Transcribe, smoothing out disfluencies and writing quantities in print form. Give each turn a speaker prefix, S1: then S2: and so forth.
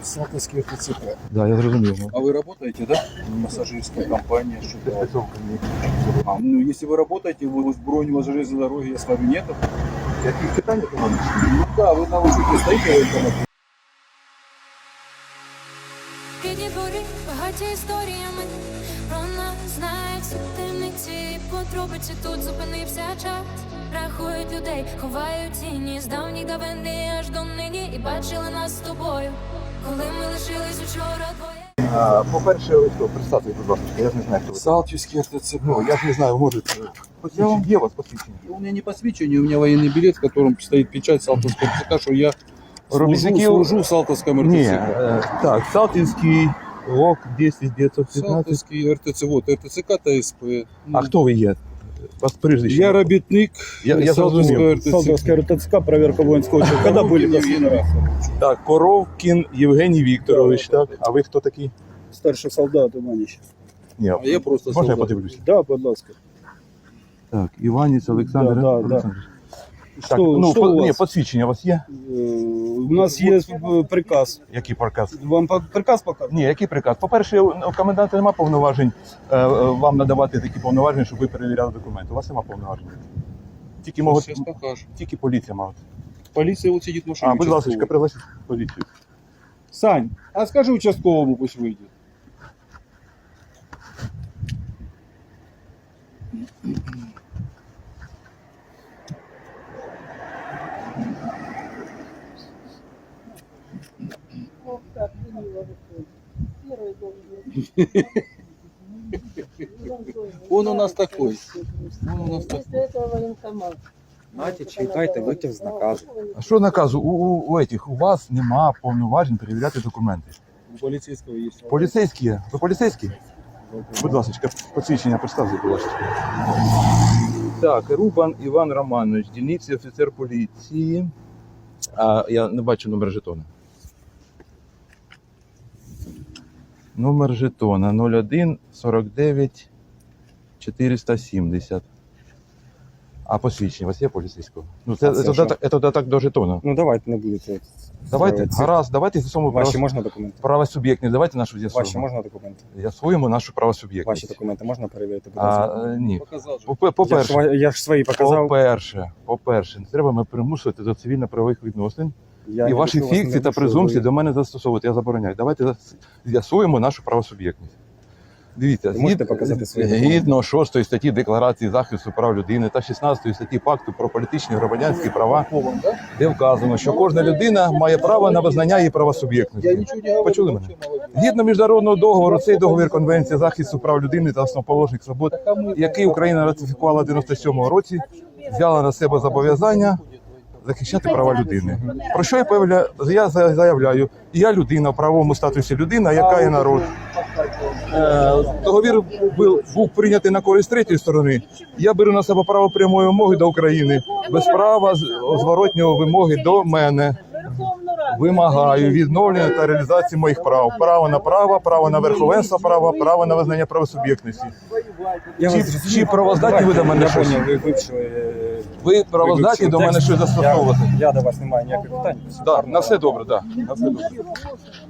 S1: Салтовский РТЦК.
S2: Да, я зрозумів.
S1: А вы работаете, да? Массажистская компания, что-то. Ну, если вы работаете, вы с бронь, у вас железной дороги, я с вами нету.
S2: Яких питань економічних?
S1: Ну да, вы на учете стоите, в этом.
S3: Рідні дворі, багаті історіями, про нас знають всі темниці, подробиці тут зупинився час. Рахують людей, ховають тіні з давніх давини аж до нині. І бачили нас з тобою, коли ми лишились учора двоє.
S2: По-перше, ви хто? Представте, будь ласка, я ж не знаю, хто ви.
S1: Салтовский РТЦК.
S2: Ну, я ж не знаю, може, посвідчення є у вас посвідчення?
S1: У меня не посвящение, у меня военный билет, в котором стоит печать Салтовского РТЦК, что я служу в Салтовском
S2: Ні,
S1: РТЦК.
S2: так, Салтівський ОК 10915.
S1: Салтовский РТЦ, вот РТЦК ТСП.
S2: А хто ви є? Вас прізвище?
S1: Я робітник
S2: Я
S1: Салтовского
S2: зрозумів.
S1: РТЦК.
S4: Салтовская РТЦК, проверка воинского учета. Когда были последний раз?
S2: Так, Коровкін Євгеній Вікторович, так? А ви хто такий?
S4: Старший солдат Иванич.
S2: Ні,
S1: А я просто
S2: можна я
S1: солдат.
S2: подивлюся?
S4: Да, будь ласка.
S2: Так, Іваніць Олександр
S4: Да, да,
S2: Олександрович.
S4: Что,
S2: Так, ну,
S4: что у
S2: ні,
S4: вас?
S2: посвідчення у вас є?
S4: У нас есть приказ.
S2: Який приказ?
S4: Вам приказ показывают?
S2: Ні, який приказ? По-перше, у коменданта немає повноважень вам надавати такі повноваження, щоб ви перевіряли документи. У вас немає повноважень. Тільки,
S1: Сейчас покажу.
S2: тільки поліція має.
S1: Полиция вот сидит в машине.
S2: А, будь ласка,
S1: участковый.
S2: пригласіть поліцію.
S1: Сань, а скажи участковому, пусть выйдет.
S5: Ох, как мило выходит. Первый должен
S1: Он у нас такой. Он у нас такой.
S5: После этого военкомат.
S6: Знаєте, читайте витяг з наказу.
S2: А що наказу? У вас нема повноважень перевіряти документи.
S1: У полицейского есть.
S2: Поліцейські є? Ви поліцейські? Будь ласка, посвідчення представте, будь ласка. Так, Рубан Іван Романович, дільниці офіцер поліції. А я не бачу номер жетона. Номер жетона 01 49 470. А посвідчення у вас є поліцейського? Ну, це додаток до жетона.
S6: Ну давайте не будете.
S2: Давайте, гаразд, давайте з'ясуємо
S6: Ваші можна документи?
S2: правосуб'єктність. Давайте нашу
S6: Ваші
S2: з'ясуємо.
S6: можна документи?
S2: З'ясуємо нашу правосуб'єктність.
S6: Ваші документи можна перевірити? Будь ласка?
S2: Ні.
S1: Показал же.
S2: По-перше,
S6: Я ж свої показав.
S2: По-перше, не треба мене примусувати до цивільно-правових відносин.
S6: Я
S2: І
S6: не
S2: ваші
S6: прошу вас,
S2: фікції
S6: не
S2: та
S6: прошу,
S2: презумпції
S6: ви-
S2: до мене застосовувати. Я забороняю. Давайте з'ясуємо нашу правосуб'єктність. Дивіться,
S6: Ви можете показати свої документи?
S2: згідно 6 статті Декларації захисту прав людини та 16 статті Пакту про політичні і громадянські права, де вказано, що кожна людина має право на визнання її
S1: Я
S2: правосуб'єктності.
S1: ничего не говорю.
S2: Почули мене?
S1: вообще молодец.
S2: Згідно міжнародного договору, цей договір Конвенції захисту прав людини та основоположних свобод, який Україна ратифікувала в 97-му році, взяла на себе зобов'язання захищати права людини. Про що я заявляю? Я людина в правовому статусі людина, яка є народ. Договір був прийнятий на користь третьої сторони. Я беру на себе право прямої вимоги до України, без права зворотнього вимоги до мене. Вимагаю відновлення та реалізації моїх прав. Право на верховенство права, право на визнання правосуб'єктності.
S6: Я
S2: Чи-
S6: вас
S2: чи
S6: зрозумів.
S2: правоздатні ви до мене
S6: Я
S2: щось?
S6: поняв, ви вивчили.
S2: Ви правоздатні
S6: вивчили
S2: до мене
S6: текст.
S2: щось застосовувати?
S6: Я до вас не маю ніяких питань.
S2: Так, на все добре, так. На все добре.